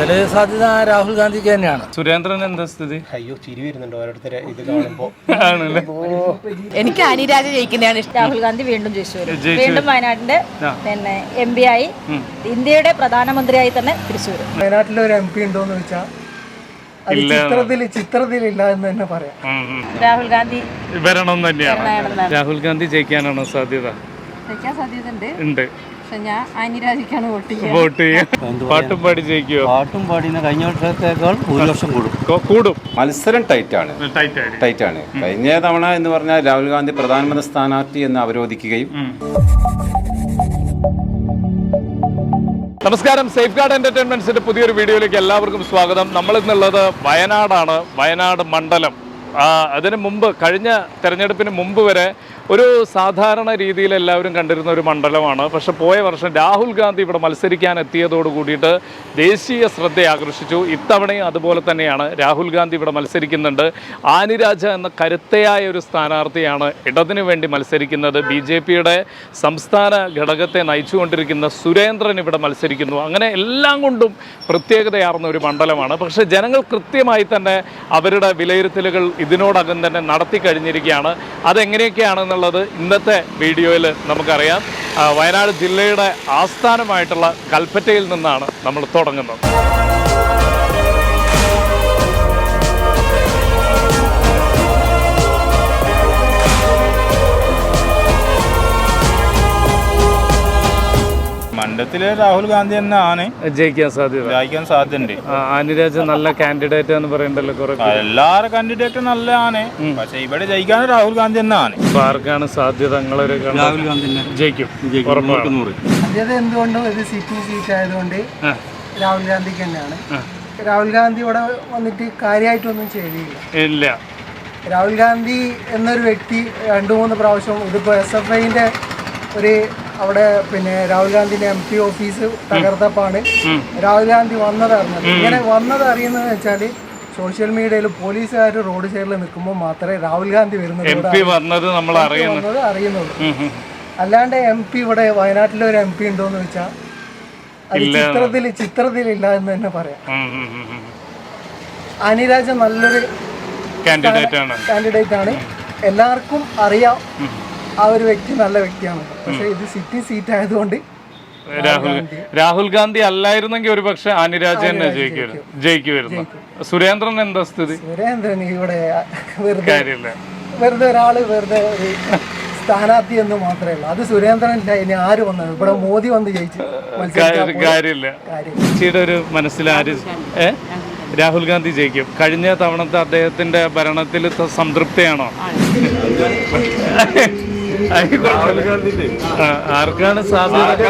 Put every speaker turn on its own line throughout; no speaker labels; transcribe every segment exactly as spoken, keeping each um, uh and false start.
കൂടുതൽ സാധ്യത രാഹുൽ ഗാന്ധിക്ക് തന്നെയാണ്.
സുരേന്ദ്രൻ എന്താ സ്ഥിതി?
അയ്യോ ചിരി വരുന്നുണ്ട് ഓരോരുത്തരെ ഇത് കാണുമ്പോ.
എനിക്ക് അനിരാജ ജയിക്കുന്നതാണ് ഇഷ്ടം. രാഹുൽ ഗാന്ധി വീണ്ടും ജയിച്ചു വരും. വീണ്ടും വയനാടിന്റെ പിന്നെ എം പി ആയി ഇന്ത്യയുടെ പ്രധാനമന്ത്രിയായി തന്നെ തിരിച്ചു വരും.
വയനാട്ടിലെ ഒരു എം പി ഉണ്ടോന്ന് ചോദിച്ചാൽ ചിത്രത്തിൽ ചിത്രത്തിലില്ല എന്ന് തന്നെ പറയാം.
രാഹുൽ ഗാന്ധി
വരണം തന്നെയാണ്. രാഹുൽ ഗാന്ധി ജയിക്കാനാണോ സാധ്യത?
ജയിക്കാൻ സാധ്യതയുണ്ട്
ഉണ്ട്.
ഞാൻ അനിരാജിക്കാണ് വോട്ട് ചെയ്യുക.
വോട്ട് ചെയ്യാം. പാട്ടും പാടി ജയിക്കുമോ?
പാട്ടും പാടി കഴിഞ്ഞ വർഷത്തേക്കാൾ ഒരു വർഷം കൂടും
കൂടും.
മത്സരം ടൈറ്റാണ് ടൈറ്റാണ് കഴിഞ്ഞ തവണ എന്ന് പറഞ്ഞാൽ രാഹുൽ ഗാന്ധി പ്രധാനമന്ത്രി സ്ഥാനാർത്ഥി എന്ന് അവരോധിക്കുകയും.
നമസ്കാരം, സേഫ് ഗാർഡ് എന്റർടൈൻമെന്റ്സിന്റെ പുതിയൊരു വീഡിയോയിലേക്ക് എല്ലാവർക്കും സ്വാഗതം. നമ്മൾ ഇന്നുള്ളത് വയനാടാണ്, വയനാട് മണ്ഡലം. അതിന് മുമ്പ് കഴിഞ്ഞ തെരഞ്ഞെടുപ്പിന് മുമ്പ് വരെ ഒരു സാധാരണ രീതിയിൽ എല്ലാവരും കണ്ടിരുന്ന ഒരു മണ്ഡലമാണ്. പക്ഷെ പോയ വർഷം രാഹുൽ ഗാന്ധി ഇവിടെ മത്സരിക്കാൻ എത്തിയതോട് കൂടിയിട്ട് ദേശീയ ശ്രദ്ധ ആകർഷിച്ചു. ഇത്തവണയും അതുപോലെ തന്നെയാണ്. രാഹുൽ ഗാന്ധി ഇവിടെ മത്സരിക്കുന്നുണ്ട്. ആനിരാജ എന്ന കരുത്തയായ ഒരു സ്ഥാനാർത്ഥിയാണ് ഇടതിനു വേണ്ടി മത്സരിക്കുന്നത്. ബി ജെ പിയുടെ സംസ്ഥാന ഘടകത്തെ നയിച്ചുകൊണ്ടിരിക്കുന്ന സുരേന്ദ്രൻ ഇവിടെ മത്സരിക്കുന്നു. അങ്ങനെ എല്ലാം കൊണ്ടും പ്രത്യേകതയാർന്ന ഒരു മണ്ഡലമാണ്. പക്ഷേ ജനങ്ങൾ കൃത്യമായി തന്നെ അവരുടെ വിലയിരുത്തലുകൾ ഇതിനോടകം തന്നെ നടത്തി കഴിഞ്ഞിരിക്കുകയാണ്. അതെങ്ങനെയൊക്കെയാണെന്നുള്ളത് ഇന്നത്തെ വീഡിയോയിൽ നമുക്കറിയാം. വയനാട് ജില്ലയുടെ ആസ്ഥാനമായിട്ടുള്ള കൽപ്പറ്റയിൽ നിന്നാണ് നമ്മൾ തുടങ്ങുന്നത്.
മണ്ഡലത്തിലെ രാഹുൽ ഗാന്ധി തന്നെയാണ്
ജയിക്കാൻ സാധ്യത
ജയിക്കാൻ സാധ്യതയുണ്ട്.
ആനിരാജ നല്ല കാൻഡിഡേറ്റ് എന്ന് പറയണ്ടല്ലോ. കുറെ
എല്ലാവരുടെ കാൻഡിഡേറ്റും നല്ലതാണ്, പക്ഷെ ഇവിടെ ജയിക്കാൻ രാഹുൽ ഗാന്ധി തന്നെയാണ്.
ആർക്കാണ് സാധ്യത? നിങ്ങളൊരു
രാഹുൽ ഗാന്ധി
ജയിക്കും.
സാധ്യത എന്തുകൊണ്ടും ഇത് സിറ്റിംഗ് സീറ്റ് ആയതുകൊണ്ട് രാഹുൽ ഗാന്ധിക്ക് തന്നെയാണ്. രാഹുൽ ഗാന്ധി ഇവിടെ വന്നിട്ട് കാര്യമായിട്ടൊന്നും ചെയ്തില്ല.
ഇല്ല.
രാഹുൽ ഗാന്ധി എന്നൊരു വ്യക്തി രണ്ടു മൂന്ന് പ്രാവശ്യം ഇതിപ്പോൾ എസ് എഫ് ഐന്റെ ഒരു അവിടെ പിന്നെ രാഹുൽ ഗാന്ധിന്റെ എം പി ഓഫീസ് തകർത്തപ്പാണ് രാഹുൽ ഗാന്ധി വന്നത് അറിഞ്ഞത്. ഇങ്ങനെ വന്നത് അറിയുന്നതെന്ന് വെച്ചാൽ സോഷ്യൽ മീഡിയയിൽ പോലീസുകാർ റോഡ് സൈഡിൽ നിൽക്കുമ്പോൾ മാത്രമേ രാഹുൽ ഗാന്ധി വരുന്നത് അറിയുന്നുള്ളൂ. അല്ലാണ്ട് എം പി ഇവിടെ വയനാട്ടിലെ ഒരു എം പി ഉണ്ടോന്ന് വെച്ചാൽ അത് ചിത്രത്തിൽ ചിത്രത്തിലില്ല എന്ന് തന്നെ പറയാം. അനിരാജ നല്ലൊരു കാൻഡിഡേറ്റ് ആണ്, എല്ലാവർക്കും അറിയാം. ആ ഒരു വ്യക്തി നല്ല വ്യക്തിയാണ്. പക്ഷെ ഇത് സിറ്റിംഗ് സീറ്റ് ആയതുകൊണ്ട്
രാഹുൽ രാഹുൽ ഗാന്ധി അല്ലായിരുന്നെങ്കിൽ ഒരു പക്ഷെ അനിരാജ തന്നെ ജയിക്കുമായിരുന്നു. സുരേന്ദ്രൻ എന്താ സ്ഥിതി?
സുരേന്ദ്രൻ ഇവിടെ വെറുതെ വെറുതെ ഒരാള് വെറുതെ ഒരു സ്ഥാനാർത്ഥി എന്ന് മാത്രമേ ഉള്ളൂ. അത് സുരേന്ദ്രൻ ഇല്ല, ഇനി ആര് വന്നത് ഇവിടെ മോദി വന്ന് ജയിച്ചു
കാര്യമില്ല. ചേച്ചിയുടെ ഒരു മനസ്സിൽ ആര് ഏ രാഹുൽ ഗാന്ധി ജയിക്കും. കഴിഞ്ഞ തവണത്തെ അദ്ദേഹത്തിന്റെ ഭരണത്തിൽ സംതൃപ്തിയാണോ? ആർക്കാണ് സാധ്യത?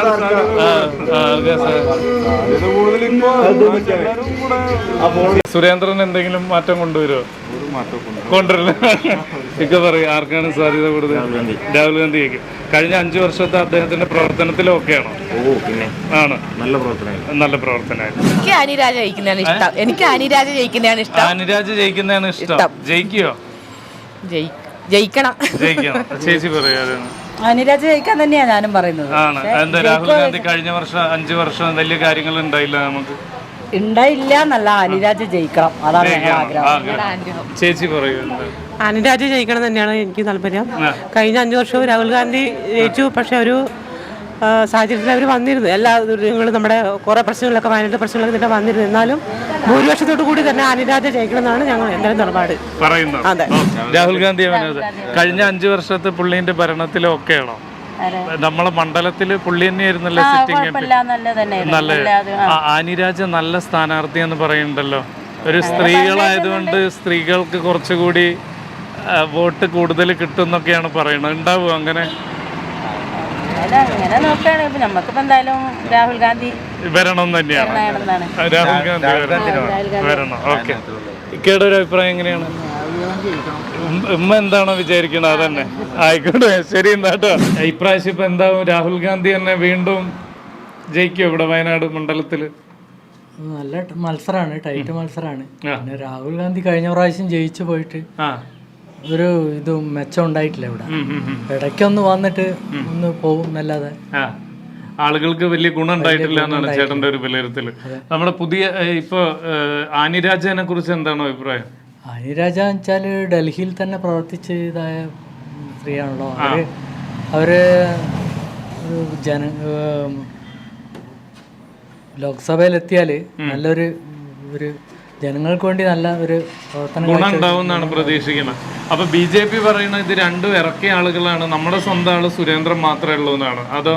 സുരേന്ദ്രൻ എന്തെങ്കിലും മാറ്റം കൊണ്ടുവരുമോ? കൊണ്ടുവരില്ല. ഇക്ക പറയും ആർക്കാണ് സാധ്യത കൂടുതൽ? രാഹുൽ ഗാന്ധി ജയിക്കും. കഴിഞ്ഞ അഞ്ചു വർഷത്തെ അദ്ദേഹത്തിന്റെ പ്രവർത്തനത്തിലൊക്കെയാണോ? ആണ്. നല്ല പ്രവർത്തനം നല്ല പ്രവർത്തനമായിരുന്നു.
എനിക്ക് അനിരാജ ജയിക്കുന്നതാണ് ഇഷ്ടം. എനിക്ക് അനിരാജ ജയിക്കുന്നതാണ് ഇഷ്ടം.
അനിരാജ ജയിക്കുന്നതാണ് ഇഷ്ടം. ജയിക്കുവോ?
ജയിക്കണം.
ജയിക്കണം. ചേച്ചി പറയാതെ
അനിരാജ ജയിക്കാൻ തന്നെയാണ് ഞാനും പറയുന്നത്.
ആണ്. എന്താ രാഹുൽ ഗാന്ധി കഴിഞ്ഞ വർഷം അഞ്ചു വർഷം വലിയ കാര്യങ്ങൾ ഉണ്ടായില്ല നമുക്ക്?
ഉണ്ടായില്ല എന്നല്ല, അനിരാജ ജയിക്കണം. അതാണ് ആഗ്രഹം.
ചേച്ചി പറയൂ.
അനിരാജ ജയിക്കണം തന്നെയാണ് എനിക്ക് താല്പര്യം. കഴിഞ്ഞ അഞ്ചു വർഷവും രാഹുൽ ഗാന്ധി ജയിച്ചു. പക്ഷെ ഒരു സാഹചര്യത്തിൽ അവർ വന്നിരുന്നു. എല്ലാ ദുരിതങ്ങളും നമ്മുടെ കുറേ പ്രശ്നങ്ങളൊക്കെ വയനാട് പ്രശ്നങ്ങളൊക്കെ തന്നെ വന്നിരുന്നു. എന്നാലും ഭൂരിപക്ഷത്തോടു കൂടി തന്നെ അനിരാജ ജയിക്കണം എന്നാണ് ഞങ്ങൾ എല്ലാവരും നിലപാട് പറയുന്നത്. അതെ.
രാഹുൽ ഗാന്ധി കഴിഞ്ഞ അഞ്ചു വർഷത്തെ പുള്ളിന്റെ ഭരണത്തിലൊക്കെയാണോ? നമ്മളെ മണ്ഡലത്തില് പുള്ളി തന്നെയായിരുന്നല്ലോ സിറ്റിംഗ് എം പി. നല്ല ആനിരാജ നല്ല സ്ഥാനാർത്ഥി എന്ന് പറയുന്നുണ്ടല്ലോ. ഒരു സ്ത്രീകളായതുകൊണ്ട് സ്ത്രീകൾക്ക് കുറച്ചുകൂടി വോട്ട് കൂടുതൽ കിട്ടും എന്നൊക്കെയാണ് പറയുന്നത്. ഉണ്ടാവും അങ്ങനെ?
അങ്ങനെ നോക്കുകയാണെങ്കിൽ നമുക്കിപ്പോ എന്തായാലും രാഹുൽ ഗാന്ധി
വരണം തന്നെയാണ്. രാഹുൽ ഗാന്ധി വരണം. ഓക്കെ. ഇക്കയുടെ ഒരു അഭിപ്രായം എങ്ങനെയാണ്? ഉമ്മ എന്താണോ വിചാരിക്കുന്നത് അതന്നെ ആയിക്കോട്ടെ. ശരി എന്നാട്ടോ. ഇപ്രാവശ്യം ഇപ്പൊ എന്താവും? രാഹുൽ ഗാന്ധി തന്നെ വീണ്ടും ജയിക്കും ഇവിടെ വയനാട് മണ്ഡലത്തില്?
നല്ല മത്സരമാണ്, ടൈറ്റ് മത്സരമാണ്. പിന്നെ രാഹുൽ ഗാന്ധി കഴിഞ്ഞ പ്രാവശ്യം ജയിച്ചു പോയിട്ട് ഒരു ഇതും മെച്ചം ഉണ്ടായിട്ടില്ല ഇവിടെ. ഇടയ്ക്കൊന്ന് വന്നിട്ട് ഒന്ന് പോകും എന്നല്ലാതെ
ആളുകൾക്ക് വലിയ ഗുണം ഉണ്ടായിട്ടില്ല എന്നാണ് ചേട്ടന്റെ ഒരു വിലയിരുത്തൽ. നമ്മുടെ പുതിയ ഇപ്പൊ ആനിരാജനെ കുറിച്ച് എന്താണ് അഭിപ്രായം?
ആനിരാജ വെച്ചാൽ ഡൽഹിയിൽ തന്നെ പ്രവർത്തിച്ച് ഇതായ സ്ത്രീയാണല്ലോ. അവര് അവര് ജന ലോക്സഭയിലെത്തിയാൽ നല്ലൊരു ഒരു ജനങ്ങൾക്ക് വേണ്ടി നല്ല ഒരു പ്രവർത്തനം
ഗുണം ഉണ്ടാവും എന്നാണ് പ്രതീക്ഷിക്കുന്നത്. അപ്പൊ ബി ജെ പി പറയുന്നത് ഇത് രണ്ടും ഇറക്കിയ ആളുകളാണ്, നമ്മുടെ സ്വന്തം ആള് സുരേന്ദ്രൻ മാത്രമേ ഉള്ളൂ എന്നാണ്. അതോ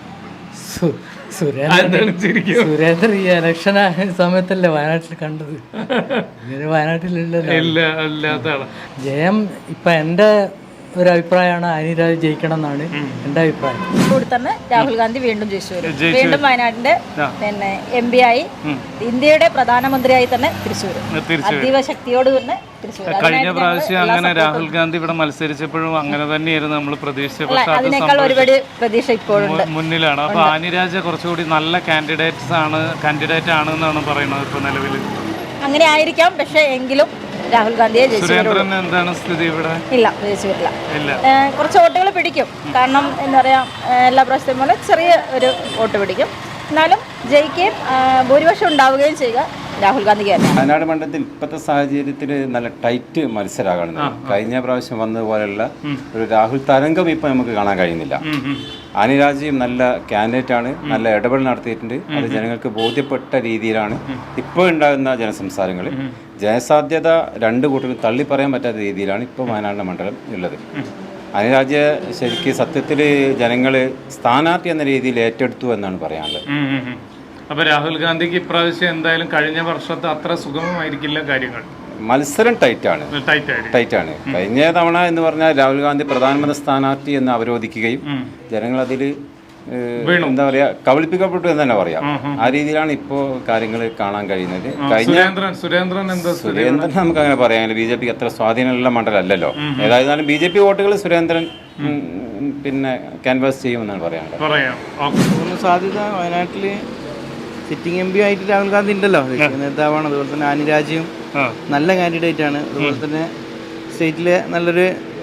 സുരേന്ദ്രൻ സുരേന്ദ്രൻ ഈ ഇലക്ഷൻ സമയത്തല്ലേ വയനാട്ടിൽ കണ്ടത്, ഇങ്ങനെ വയനാട്ടിലില്ലല്ലോ.
ഇല്ല, അല്ലാത്ത ആള്.
ജയം ഇപ്പൊ എന്റെ ഒരു അഭിപ്രായമാണ് ആനിരാജ ജയിക്കണം എന്നാണ് എന്റെ അഭിപ്രായം.
കൂടി തന്നെ രാഹുൽ ഗാന്ധി വീണ്ടും ജയിച്ചു വരും. വീണ്ടും വയനാടിന്റെ പിന്നെ എം പി ആയി ഇന്ത്യയുടെ പ്രധാനമന്ത്രിയായി തന്നെ തിരിച്ചു വരും. അതീവ ശക്തിയോട് തന്നെ തിരിച്ചു വരും.
കഴിഞ്ഞ പ്രാവശ്യം അങ്ങനെ രാഹുൽ ഗാന്ധി ഇവിടെ മത്സരിച്ചപ്പോഴും അങ്ങനെ തന്നെയായിരുന്നു നമ്മൾ പ്രതീക്ഷിച്ചത്. പക്ഷെ
അതിനേക്കാൾ ഒരുപാട് പ്രതീക്ഷ ഇപ്പോഴുണ്ട്,
മുന്നിലാണ്. അപ്പൊ ആനിരാജ കുറച്ചുകൂടി നല്ല കാൻഡിഡേറ്റ്സ് ആണ് കാൻഡിഡേറ്റ് ആണ് എന്നാണ് പറയുന്നത് ഇപ്പൊ നിലവിൽ.
അങ്ങനെ ആയിരിക്കാം, പക്ഷെ എങ്കിലും രാഹുൽ ഗാന്ധിയെ
സുരേന്ദ്രൻ എന്താണ് സ്ഥിതി ഇവിടെ?
ഇല്ല, ജയിച്ചു വരില്ല. കുറച്ച് വോട്ടുകൾ പിടിക്കും, കാരണം എന്താ പറയാ, എല്ലാ പ്രാവശ്യത്തെയും പോലെ ചെറിയ ഒരു വോട്ട് പിടിക്കും. എന്നാലും ജയിക്കുകയും ഭൂരിപക്ഷം ഉണ്ടാവുകയും ചെയ്യുക രാഹുൽ ഗാന്ധിക്ക് തന്നെ.
വയനാട് മണ്ഡലത്തിൽ ഇപ്പോഴത്തെ സാഹചര്യത്തിൽ നല്ല ടൈറ്റ് മത്സരമാണ്. കഴിഞ്ഞ പ്രാവശ്യം വന്നതുപോലെയുള്ള ഒരു രാഹുൽ തരംഗം ഇപ്പൊ നമുക്ക് കാണാൻ കഴിയുന്നില്ല. ആനിരാജയും നല്ല കാൻഡിഡേറ്റ് ആണ്, നല്ല ഇടപെടൽ നടത്തിയിട്ടുണ്ട്. അത് ജനങ്ങൾക്ക് ബോധ്യപ്പെട്ട രീതിയിലാണ് ഇപ്പോൾ ഉണ്ടാകുന്ന ജനസംസാരങ്ങൾ. ജനസാധ്യത രണ്ട് കൂട്ടരും തള്ളി പറയാൻ പറ്റാത്ത രീതിയിലാണ് ഇപ്പോൾ വയനാട് മണ്ഡലം ഉള്ളത്. അനിരാജ് ശരിക്കും സത്യത്തിൽ ജനങ്ങൾ സ്ഥാനാർത്ഥി എന്ന രീതിയിൽ ഏറ്റെടുത്തു എന്നാണ് പറയാനുള്ളത്.
അപ്പൊ രാഹുൽ ഗാന്ധിക്ക് ഇപ്രാവശ്യം എന്തായാലും കഴിഞ്ഞ വർഷത്തെ അത്ര സുഗമമായിരിക്കില്ല കാര്യങ്ങൾ.
മത്സരം ടൈറ്റാണ് ടൈറ്റാണ് കഴിഞ്ഞ തവണ എന്ന് പറഞ്ഞാൽ രാഹുൽ ഗാന്ധി പ്രധാനമന്ത്രി സ്ഥാനാർത്ഥി എന്ന് അവരോധിക്കുകയും ജനങ്ങൾ അതിൽ എന്താ പറയാ കബളിപ്പിക്കപ്പെട്ടു എന്ന് തന്നെ പറയാം. ആ രീതിയിലാണ് ഇപ്പോ കാര്യങ്ങൾ കാണാൻ കഴിയുന്നത്. കഴിഞ്ഞ സുരേന്ദ്രൻ നമുക്ക് അങ്ങനെ പറയാനില്ല, ബി ജെ പിക്ക് അത്ര സ്വാധീനമുള്ള മണ്ഡലമല്ലല്ലോ. ഏതായിരുന്നാലും ബി ജെ പി വോട്ടുകൾ സുരേന്ദ്രൻ പിന്നെ ക്യാൻവാസ് ചെയ്യുമെന്നാണ് പറയാനുള്ളത്.
സാധ്യത വയനാട്ടില് സിറ്റിംഗ് എം പി ആയിട്ട് രാഹുൽ ഗാന്ധി ഉണ്ടല്ലോ, നേതാവാണ്. അതുപോലെ തന്നെ ആനിരാജയും നല്ല കാൻഡിഡേറ്റ് ആണ്. അതുപോലെ തന്നെ സ്റ്റേറ്റിലെ നല്ലൊരു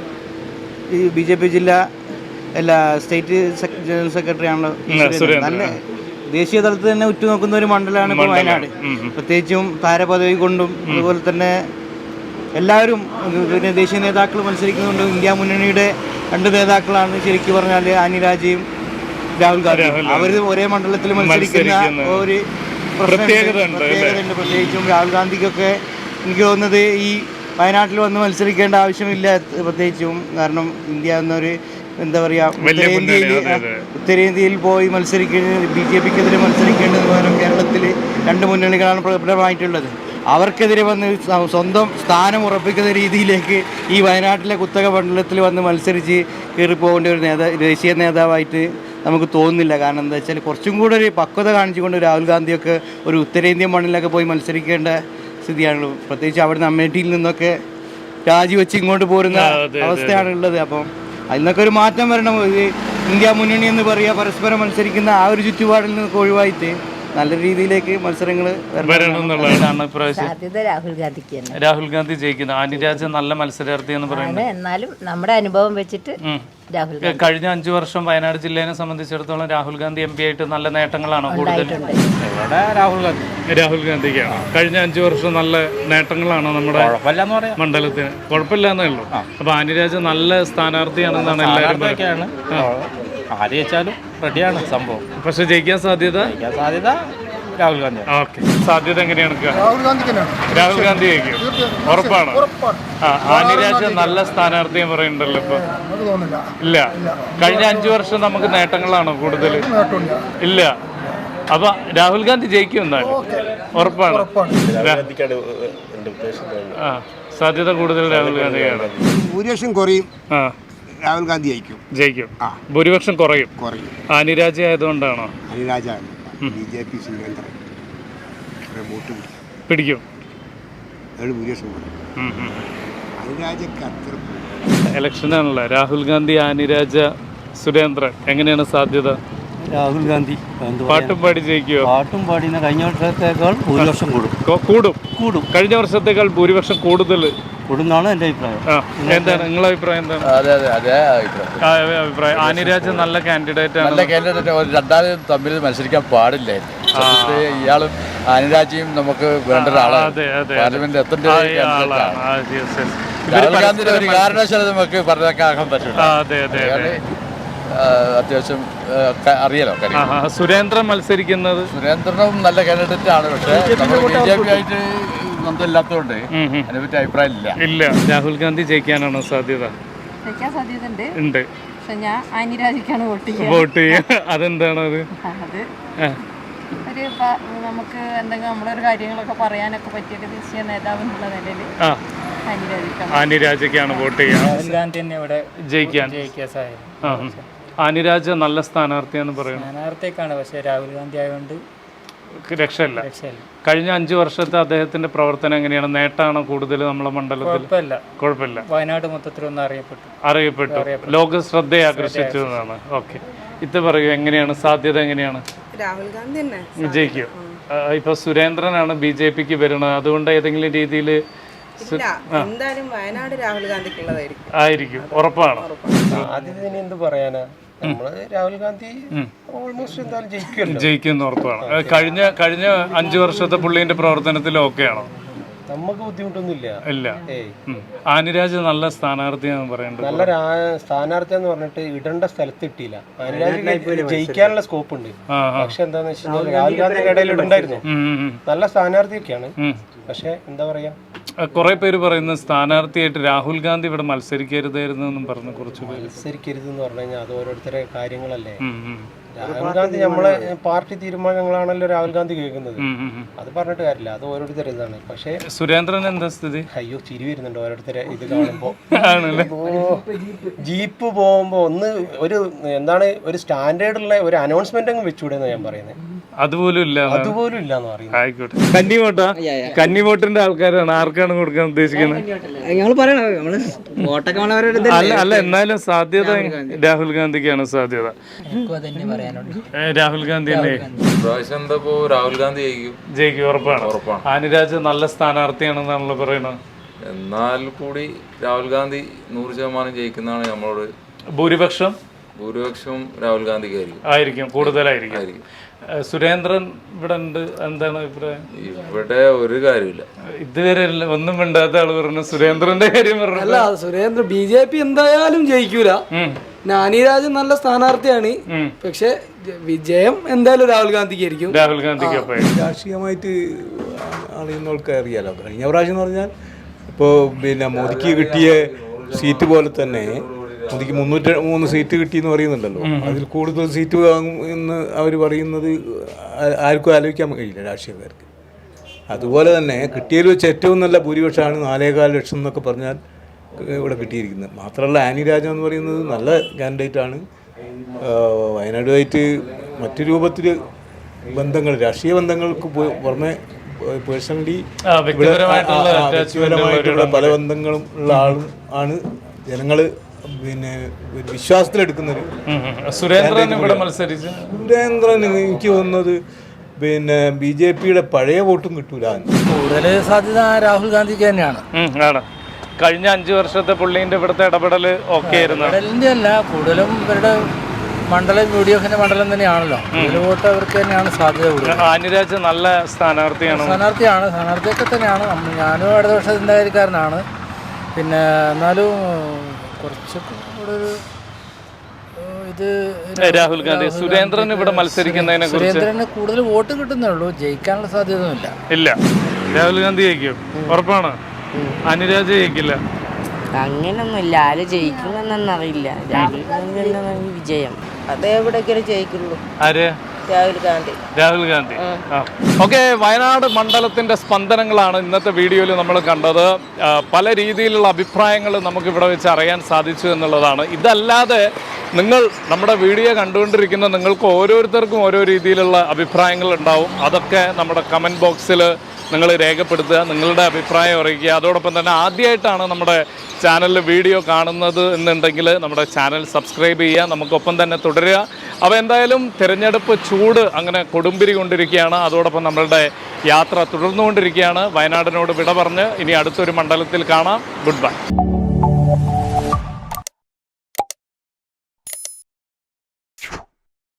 ബി ജെ പി ജില്ലാ എല്ലാ സ്റ്റേറ്റ് ജനറൽ സെക്രട്ടറി ആണല്ലോ. നല്ല ദേശീയ തലത്തിൽ തന്നെ ഉറ്റുനോക്കുന്ന ഒരു മണ്ഡലമാണ് ഇപ്പോൾ വയനാട്. പ്രത്യേകിച്ചും താരപദവി കൊണ്ടും അതുപോലെ തന്നെ എല്ലാവരും പിന്നെ ദേശീയ നേതാക്കൾ മത്സരിക്കുന്നുണ്ട്. ഇന്ത്യ മുന്നണിയുടെ രണ്ട് നേതാക്കളാണ് ശരിക്കും പറഞ്ഞാൽ ആനിരാജയും രാഹുൽ ഗാന്ധി. അവർ ഒരേ മണ്ഡലത്തിൽ മത്സരിക്കുന്ന ഒരു പ്രത്യേകതയുണ്ട്. പ്രത്യേകിച്ചും രാഹുൽ ഗാന്ധിക്കൊക്കെ എനിക്ക് തോന്നുന്നത് ഈ വയനാട്ടിൽ വന്ന് മത്സരിക്കേണ്ട ആവശ്യമില്ല. പ്രത്യേകിച്ചും കാരണം ഇന്ത്യ എന്നൊരു എന്താ പറയുക ഉത്തരേന്ത്യയിൽ ഉത്തരേന്ത്യയിൽ പോയി മത്സരിക്കേണ്ടത് ബി ജെ പിക്കെതിരെ മത്സരിക്കേണ്ടത് പകരം കേരളത്തിൽ രണ്ട് മുന്നണികളാണ് പ്രബലമായിട്ടുള്ളത്. അവർക്കെതിരെ വന്ന് സ്വന്തം സ്ഥാനം ഉറപ്പിക്കുന്ന രീതിയിലേക്ക് ഈ വയനാട്ടിലെ കുത്തക മണ്ഡലത്തിൽ വന്ന് മത്സരിച്ച് കയറിപ്പോകേണ്ട ഒരു നേതാ ദേശീയ നേതാവായിട്ട് നമുക്ക് തോന്നുന്നില്ല. കാരണം എന്താ വെച്ചാൽ കുറച്ചും കൂടെ ഒരു പക്വത കാണിച്ചുകൊണ്ട് രാഹുൽ ഗാന്ധിയൊക്കെ ഒരു ഉത്തരേന്ത്യൻ മണ്ണിലൊക്കെ പോയി മത്സരിക്കേണ്ട സ്ഥിതിയാണല്ലോ. പ്രത്യേകിച്ച് അവിടുന്ന് അമേഠിയിൽ നിന്നൊക്കെ രാജിവെച്ച് ഇങ്ങോട്ട് പോരുന്ന അവസ്ഥയാണ് ഉള്ളത്. അപ്പം അതിനൊക്കെ ഒരു മാറ്റം വരണം. ഇത് ഇന്ത്യ മുന്നണി എന്ന് പറയുക പരസ്പരം മത്സരിക്കുന്ന ആ ഒരു ചുറ്റുപാടിൽ നിന്നൊക്കെ ഒഴിവായിട്ട് നല്ല രീതിയിലേക്ക് മത്സരങ്ങൾ
രാഹുൽ ഗാന്ധിക്ക്
രാഹുൽ ഗാന്ധി ജയിക്കുന്നത്. ആനിരാജ നല്ല മത്സരാർത്ഥി എന്ന് പറയുന്നത്.
എന്നാലും നമ്മുടെ അനുഭവം വെച്ചിട്ട് രാഹുൽ
കഴിഞ്ഞ അഞ്ചു വർഷം വയനാട് ജില്ലേനെ സംബന്ധിച്ചിടത്തോളം രാഹുൽ ഗാന്ധി എം പി ആയിട്ട് നല്ല നേട്ടങ്ങളാണോ കൂടുതൽ?
രാഹുൽ ഗാന്ധി
രാഹുൽ ഗാന്ധിക്കാണ് കഴിഞ്ഞ അഞ്ചു വർഷം നല്ല നേട്ടങ്ങളാണോ നമ്മുടെ മണ്ഡലത്തിന്? കുഴപ്പമില്ല എന്നേ ഉള്ളൂ. അപ്പൊ ആനിരാജ നല്ല സ്ഥാനാർത്ഥിയാണെന്നാണ് എല്ലാവരും
ആര് വെച്ചാലും റെഡിയാണ് സംഭവം.
പക്ഷെ ജയിക്കാൻ സാധ്യത
സാധ്യത രാഹുൽ ഗാന്ധി.
ഓക്കെ, സാധ്യത എങ്ങനെയാണ്?
രാഹുൽ ഗാന്ധി
രാഹുൽ ഗാന്ധി ജയിക്കും, ഉറപ്പാണ്. ആ ആനിരാജ നല്ല സ്ഥാനാർത്ഥി പറയുന്നുണ്ടല്ലോ ഇപ്പൊ. ഇല്ല, കഴിഞ്ഞ അഞ്ചു വർഷം നമുക്ക് നേട്ടങ്ങളാണോ കൂടുതൽ? ഇല്ല. അപ്പൊ രാഹുൽ ഗാന്ധി ജയിക്കും എന്നാണ് ഉറപ്പാണ്. ആ സാധ്യത കൂടുതൽ രാഹുൽ ഗാന്ധിയാണ്.
ഭൂരിപക്ഷം കുറയും, രാഹുൽ ഗാന്ധി ജയിക്കും ജയിക്കും
ഭൂരിപക്ഷം കുറയും
കുറയും
ആനിരാജ ആയതുകൊണ്ടാണോ?
ആനിരാജാണ് B J P Surendran vote
പിടിക്കും,
ഭൂരിപക്ഷം കുറയും. ആനിരാജക്ക് അത്ര
ഇലക്ഷനാണല്ലോ. രാഹുൽ ഗാന്ധി, ആനിരാജ, സുരേന്ദ്രൻ എങ്ങനെയാണ് സാധ്യത?
രാഹുൽ ഗാന്ധി
പാട്ടും പാടി ജയിക്കുമോ?
പാട്ടും പാടിന കഴിഞ്ഞ വർഷത്തേക്കാൾ ഭൂരിപക്ഷം കൂടും
കൂടും
കൂടും
കഴിഞ്ഞ വർഷത്തേക്കാൾ ഭൂരിപക്ഷം കൂടുതൽ
കൂടുന്നാണ് എൻ്റെ അഭിപ്രായം.
എന്താണ് നിങ്ങളുടെ അഭിപ്രായം? എന്താണ്
അതെ അതെ അതേ അഭിപ്രായം.
ആ, അഭിപ്രായം ആനിരാജ് നല്ല കാൻഡിഡേറ്റ് ആണ്.
നല്ല കാൻഡിഡേറ്റ്. രണ്ടാളും തമ്മിൽ മത്സരിക്കാൻ പാടില്ലായിരുന്നു. ഇയാളും ആനിരാജയും നമുക്ക് വേണ്ട ഒരാളാണ്. പാർലമെന്റിൽ എത്തേണ്ട രാഹുൽ ഗാന്ധിയുടെ ഒരു കാരണവശാലും നമുക്ക് പറഞ്ഞേക്കാൻ പറ്റില്ല. അത്യാവശ്യം അറിയാലോ കാര്യം.
സുരേന്ദ്രൻ മത്സരിക്കുന്നത്
സുരേന്ദ്രനും നല്ല കാൻഡിഡേറ്റ് ആണ്. പക്ഷേ നമ്മൾ ബി ജെ പി ആയിട്ട് ബന്ധമില്ലാത്തതുകൊണ്ട് അതിനെപ്പറ്റി അഭിപ്രായം ഇല്ല.
ഇല്ല. രാഹുൽ ഗാന്ധി ജയിക്കാനാണോ സാധ്യത?
ജയിക്കാൻ സാധ്യതയുണ്ട്.
ഉണ്ട്.
പക്ഷെ ഞാൻ ആനിരാജിക്കാണ് വോട്ട് ചെയ്യുക.
വോട്ട് ചെയ്യുക. അതെന്താണ് അത്?
അത് ഒരു നമുക്ക് എന്തെങ്കിലും നമ്മളൊരു കാര്യങ്ങളൊക്കെ പറയാനൊക്കെ പറ്റിയൊക്കെ ദേശീയ നേതാവ് എന്നുള്ള നിലയിൽ
ആനിരാജയ്ക്കാണ് വോട്ട് ചെയ്യുക.
രാഹുൽ ഗാന്ധി തന്നെ ഇവിടെ
ജയിക്കാൻ
ജയിക്കാൻ സാധ്യത.
ആനിരാജ് നല്ല സ്ഥാനാർത്ഥിയാന്ന് പറയുന്നത്.
സ്ഥാനാർത്ഥിയൊക്കെയാണ്, പക്ഷേ രാഹുൽ ഗാന്ധി ആയതുകൊണ്ട്
രക്ഷയില്ല. കഴിഞ്ഞ അഞ്ചു വർഷത്തെ അദ്ദേഹത്തിന്റെ പ്രവർത്തനം എങ്ങനെയാണ്? നേട്ടാണോ കൂടുതൽ നമ്മളെ മണ്ഡലത്തിൽ? കുഴപ്പമില്ല.
വയനാട് മൊത്തത്തിലൊന്നും അറിയപ്പെട്ടു
അറിയപ്പെട്ടു ലോക ശ്രദ്ധയെ ആകർഷിച്ചു എന്നാണ്. ഓക്കെ, ഇത് പറയൂ, എങ്ങനെയാണ് സാധ്യത? എങ്ങനെയാണ്
രാഹുൽ ഗാന്ധി തന്നെ
വിജയിക്കും? ഇപ്പൊ സുരേന്ദ്രനാണ് ബി ജെ പിക്ക് വരുന്നത്, അതുകൊണ്ട് ഏതെങ്കിലും രീതിയിൽ
എന്തായാലും വയനാട് രാഹുൽ ഗാന്ധിക്കുള്ളതായിരിക്കും.
ആയിരിക്കും, ഉറപ്പാണ്.
ആദ്യം എന്ത് പറയാനാ, നമ്മള് രാഹുൽ ഗാന്ധി ഓൾമോസ്റ്റ് എന്തായാലും ജയിക്കുമല്ലോ.
ജയിക്കുന്ന ഉറപ്പാണ്. കഴിഞ്ഞ കഴിഞ്ഞ അഞ്ചു വർഷത്തെ പുള്ളിന്റെ പ്രവർത്തനത്തിൽ ഓക്കെയാണോ?
നമുക്ക് ബുദ്ധിമുട്ടൊന്നുമില്ല.
ഇല്ല. ആനിരാജ് നല്ല സ്ഥാനാർത്ഥിയാണെന്ന് പറയുന്നത്.
നല്ല സ്ഥാനാർത്ഥി എന്ന് പറഞ്ഞിട്ട് ഇടേണ്ട സ്ഥലത്ത് ഇട്ടില്ല. ആനിരാജ് ജയിക്കാനുള്ള സ്കോപ്പ് ഉണ്ട്. പക്ഷെ എന്താന്ന് വെച്ചാൽ രാഹുൽ ഗാന്ധിയുടെ ഇടയിൽ ഇടണ്ടായിരുന്നു. നല്ല സ്ഥാനാർത്ഥിയൊക്കെയാണ്, പക്ഷെ എന്താ പറയാ,
കുറെ പേര് പറയുന്ന സ്ഥാനാർത്ഥിയായിട്ട് രാഹുൽ ഗാന്ധി ഇവിടെ മത്സരിക്കരുതായിരുന്നു എന്നും പറഞ്ഞു. കുറച്ച്
മത്സരിക്കരുത് എന്ന് പറഞ്ഞു കഴിഞ്ഞാൽ അത് ഓരോരുത്തരുടെ കാര്യങ്ങളല്ലേ. രാഹുൽ ഗാന്ധി നമ്മളെ പാർട്ടി തീരുമാനങ്ങളാണല്ലോ രാഹുൽ ഗാന്ധി കേൾക്കുന്നത്. അത് പറഞ്ഞിട്ട് കാര്യമില്ല, അത് ഓരോരുത്തരുടെ ഇതാണ്. പക്ഷേ
സുരേന്ദ്രൻ എന്താ സ്ഥിതി?
അയ്യോ, ചിരി വരുന്നുണ്ട് ഓരോരുത്തരെ ഇത് കാണുമ്പോ. ജീപ്പ് പോകുമ്പോ ഒന്ന് ഒരു എന്താണ് ഒരു സ്റ്റാൻഡേർഡുള്ള ഒരു അനൗൺസ്മെന്റ് അങ്ങ് വെച്ചുകൂടെന്ന് ഞാൻ പറയുന്നത്.
അതുപോലും ഇല്ല.
അതുപോലും ഇല്ലാന്ന് പറയുന്നത്.
ആയിക്കോട്ടെ. കന്നിവോട്ടാ? കന്നിവോട്ടിന്റെ ആൾക്കാരാണ്. ആർക്കാണ് കൊടുക്കാൻ ഉദ്ദേശിക്കുന്നത്? അല്ല അല്ല എന്നാലും സാധ്യത രാഹുൽ ഗാന്ധിക്കാണ് സാധ്യത. രാഹുൽ ഗാന്ധി തന്നെ
രാഹുൽ ഗാന്ധി ജയിക്കും.
ജയിക്കും, ഉറപ്പാണ്. ആനിരാജ് നല്ല സ്ഥാനാർത്ഥിയാണെന്നാണല്ലോ പറയുന്നത്.
എന്നാൽ കൂടി രാഹുൽ ഗാന്ധി നൂറ് ശതമാനം ജയിക്കുന്നതാണ് നമ്മളോട്.
ഭൂരിപക്ഷം
ഭൂരിപക്ഷം രാഹുൽ ഗാന്ധിക്കായിരിക്കും.
ആയിരിക്കും, കൂടുതലായിരിക്കും. സുരേന്ദ്രൻ ഇവിടെ ഉണ്ട്, എന്താണ് അഭിപ്രായം?
ഇവിടെ ഒരു കാര്യമില്ല,
ഇതുവരെ ഒന്നും മിണ്ടാത്ത ആള് പറഞ്ഞു. സുരേന്ദ്രന്റെ കാര്യം പറഞ്ഞു.
അല്ല, സുരേന്ദ്ര ബി ജെ പി എന്തായാലും ജയിക്കൂല. ആനിരാജൻ നല്ല സ്ഥാനാർത്ഥിയാണ്, പക്ഷെ വിജയം എന്തായാലും രാഹുൽ ഗാന്ധിക്ക് ആയിരിക്കും.
രാഹുൽ ഗാന്ധിക്ക്
രാഷ്ട്രീയമായിട്ട് അറിയുന്നവർക്ക് അറിയാലോ. കഴിഞ്ഞ പ്രാവശ്യം എന്ന് പറഞ്ഞാൽ ഇപ്പോൾ പിന്നെ മോദിക്ക് കിട്ടിയ സീറ്റ് പോലെ തന്നെ മോദിക്ക് മുന്നൂറ്റി മൂന്ന് സീറ്റ് കിട്ടിയെന്ന് പറയുന്നുണ്ടല്ലോ. അതിൽ കൂടുതൽ സീറ്റ് വാങ്ങും എന്ന് അവർ പറയുന്നത് ആർക്കും ആലോചിക്കാൻ കഴിയില്ല രാഷ്ട്രീയക്കാർക്ക്. അതുപോലെ തന്നെ കിട്ടിയതിൽ വെച്ച് ഏറ്റവും നല്ല ഭൂരിപക്ഷമാണ് നാലേകാൽ ലക്ഷം എന്നൊക്കെ പറഞ്ഞാൽ ഇവിടെ കിട്ടിയിരിക്കുന്നത്. മാത്രമല്ല ആനിരാജ എന്ന് പറയുന്നത് നല്ല കാൻഡിഡേറ്റാണ്. വയനാടുമായിട്ട് മറ്റു രൂപത്തിൽ ബന്ധങ്ങൾ, രാഷ്ട്രീയ ബന്ധങ്ങൾക്ക് പുറമെ പേഴ്സണലി വ്യക്തിപരമായിട്ടുള്ള പല ബന്ധങ്ങളും ഉള്ള ആളും ആണ്. ജനങ്ങൾ പിന്നെ വിശ്വാസത്തിലെടുക്കുന്നൊരു.
സുരേന്ദ്രൻ ഇവിടെ മത്സരിച്ചു.
സുരേന്ദ്രൻ എനിക്ക് തോന്നുന്നത് പിന്നെ ബി ജെ പിയുടെ പഴയ വോട്ടും കിട്ടൂല.
കൂടുതൽ സാധ്യത രാഹുൽ ഗാന്ധിക്ക് തന്നെയാണ്.
കഴിഞ്ഞ അഞ്ചു വർഷത്തെ പുള്ളിന്റെ ഇവിടുത്തെ ഇടപെടൽ ഓക്കെ ആയിരുന്നു.
ഇടപെടലിന്റെ അല്ല, കൂടുതലും ഇവരുടെ മണ്ഡലം യു ഡി എഫിന്റെ മണ്ഡലം തന്നെയാണല്ലോ. കൂടുതൽ വോട്ട് അവർക്ക് തന്നെയാണ് സാധ്യത കൂടുതൽ.
ആനിരാജ് നല്ല സ്ഥാനാർത്ഥിയാണ്.
സ്ഥാനാർത്ഥിയാണ് സ്ഥാനാർത്ഥിയൊക്കെ തന്നെയാണ്. ഞാനും അടുത്ത വർഷം ചിന്താഗതിക്കാരനാണ്. പിന്നെ എന്നാലും കുറച്ചൊക്കെ കൂടെ ഒരു ഇത്
രാഹുൽ ഗാന്ധി. സുരേന്ദ്രൻ ഇവിടെ മത്സരിക്കുന്നതിനെ കുറിച്ച്
സുരേന്ദ്രന് കൂടുതൽ വോട്ട് കിട്ടുന്നേ ഉള്ളൂ, ജയിക്കാനുള്ള സാധ്യതയൊന്നുമില്ല.
ഇല്ല. രാഹുൽ ഗാന്ധി ജയിക്കും, ഉറപ്പാണ്. അനിരാജ് ജയിക്കില്ല.
അങ്ങനൊന്നുമില്ല, ആര് ജയിക്കുന്നറിയില്ല. രാഹുൽ ഗാന്ധി വിജയം അതെവിടേക്കാണ് ജയിക്കുള്ളൂ.
ആര്?
രാഹുൽ ഗാന്ധി.
രാഹുൽ ഗാന്ധി. ഓക്കെ, വയനാട് മണ്ഡലത്തിൻ്റെ സ്പന്ദനങ്ങളാണ് ഇന്നത്തെ വീഡിയോയിൽ നമ്മൾ കണ്ടത്. പല രീതിയിലുള്ള അഭിപ്രായങ്ങൾ നമുക്കിവിടെ വെച്ച് അറിയാൻ സാധിച്ചു എന്നുള്ളതാണ്. ഇതല്ലാതെ നിങ്ങൾ നമ്മുടെ വീഡിയോ കണ്ടുകൊണ്ടിരിക്കുന്ന നിങ്ങൾക്ക് ഓരോരുത്തർക്കും ഓരോ രീതിയിലുള്ള അഭിപ്രായങ്ങൾ ഉണ്ടാവും. അതൊക്കെ നമ്മുടെ കമൻറ്റ് ബോക്സിൽ നിങ്ങൾ രേഖപ്പെടുത്തുക, നിങ്ങളുടെ അഭിപ്രായം അറിയിക്കുക. അതോടൊപ്പം തന്നെ ആദ്യമായിട്ടാണ് നമ്മുടെ ചാനലിൽ വീഡിയോ കാണുന്നത് എന്നുണ്ടെങ്കിൽ നമ്മുടെ ചാനൽ സബ്സ്ക്രൈബ് ചെയ്യുക, നമുക്കൊപ്പം തന്നെ തുടരുക. അപ്പോൾ എന്തായാലും തിരഞ്ഞെടുപ്പ് ചൂട് അങ്ങനെ കൊടുമ്പിരി കൊണ്ടിരിക്കുകയാണ്. അതോടൊപ്പം നമ്മളുടെ യാത്ര തുടർന്നുകൊണ്ടിരിക്കുകയാണ്. വയനാടിനോട് വിട പറഞ്ഞ് ഇനി അടുത്തൊരു മണ്ഡലത്തിൽ കാണാം. Good bye.